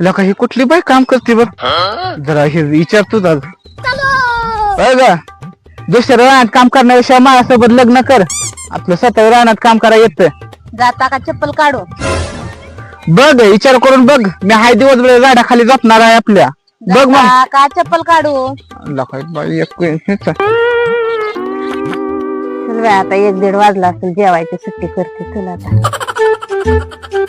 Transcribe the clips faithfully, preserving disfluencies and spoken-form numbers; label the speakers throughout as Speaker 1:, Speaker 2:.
Speaker 1: लका ही कुठली बाई काम करते बघ जरा हे विचारतो का दुसऱ्या रानात काम करण्यापेक्षा माझ्यासोबत लग्न कर आपलं स्वतः रानात काम करा येत
Speaker 2: जाता का चप्पल काढू
Speaker 1: बघ विचार करून बघ मी हाय दिवसभर झाडाखाली झोपणार आहे आपल्या बघ मग
Speaker 2: जाता का चप्पल काढू
Speaker 1: लका बाई एक हेच.
Speaker 2: चल बाई, आता एक दीड वाजला असेल जेवायची सुट्टी करते तुला आता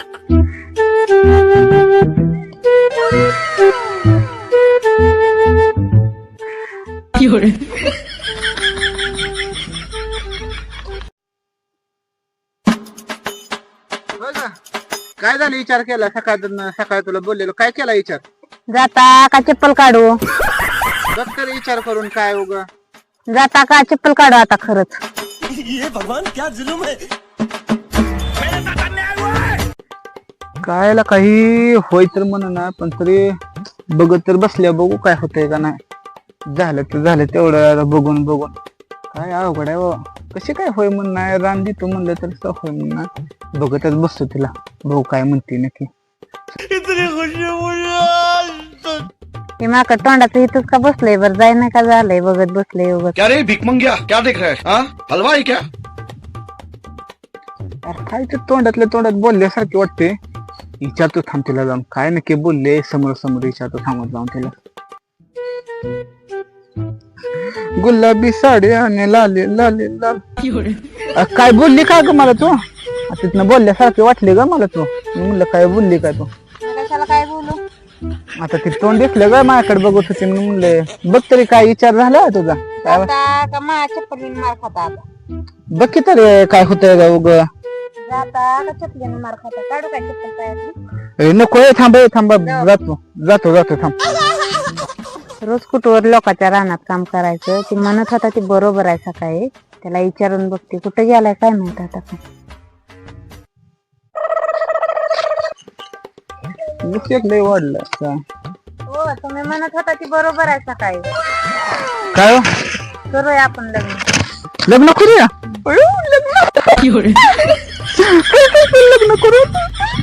Speaker 1: काय झालं विचार केला सकाळ सकाळी तुला बोललेलो काय केला विचार
Speaker 2: जाता का चप्पल काढू
Speaker 1: बघ तरी विचार करून काय उग
Speaker 2: जाता का चप्पल काढू आता खरंच
Speaker 3: ये भगवान क्या जुलुम है
Speaker 1: कायला काही होय तर म्हण ना पण तरी बघत तर बसल्या बघू काय होतंय का नाही झालं तर झालं तेवढं बघून बघून काय अवघड आहे हो. कशी काय होय म्हण नाही रान देतो म्हणलं तर असं होय म्हण ना बघतच बसतो तिला भाऊ काय म्हणते नक्की
Speaker 2: ते माका तोंडाचं इथंच का बसलंय बरं जाय ना का झालंय बघत बसलंय उगत
Speaker 3: क्या रे भिक मंग्या क्या देख रहा है हाँ? हलवा है क्या
Speaker 1: अरे काय ते तोंडातल्या तोंडात बोलल्यासारखे वाटते विचारतो थांब तिला जाऊन काय नक्की बोलले समोर समोर विचारतो थांबत जाऊन तिला गुलाबी साडी आणि लाले लाले लाल अ, काय बोलली काय ग मला तू तिथनं बोलल्यासारखे वाटले ग मला तू मी म्हणलं काय बोलली काय तू
Speaker 2: कशाला काय बोलू
Speaker 1: आता ती तोंड दिसलं ग माझ्याकडे बघत होती मी म्हणले बघ तरी काय विचार झाला तुझा काय
Speaker 2: जाता का माझ्या चप्पलीने मार खाता आता
Speaker 1: बघ की तरी काय होतंय ग उग
Speaker 2: जाता का चप्पलीने मार खाता काढू काय चप्पल पायातली
Speaker 1: नको हे थांब हे थांब जातो जातो जातो थांब
Speaker 2: रोज कुठवर लोकांच्या रानात काम करायचं ती म्हणत होता ती बरोबर आहे सकाळी त्याला विचारून बघते कुठे गेलाय काय माहित आता
Speaker 1: लय वाढलं काय
Speaker 2: हो तुम्ही म्हणत होता ती बरोबर आहे सकाळी
Speaker 1: काय हो?
Speaker 2: करूया आपण लग्न
Speaker 1: लग्न करूया अयो, लग्न लग्न करू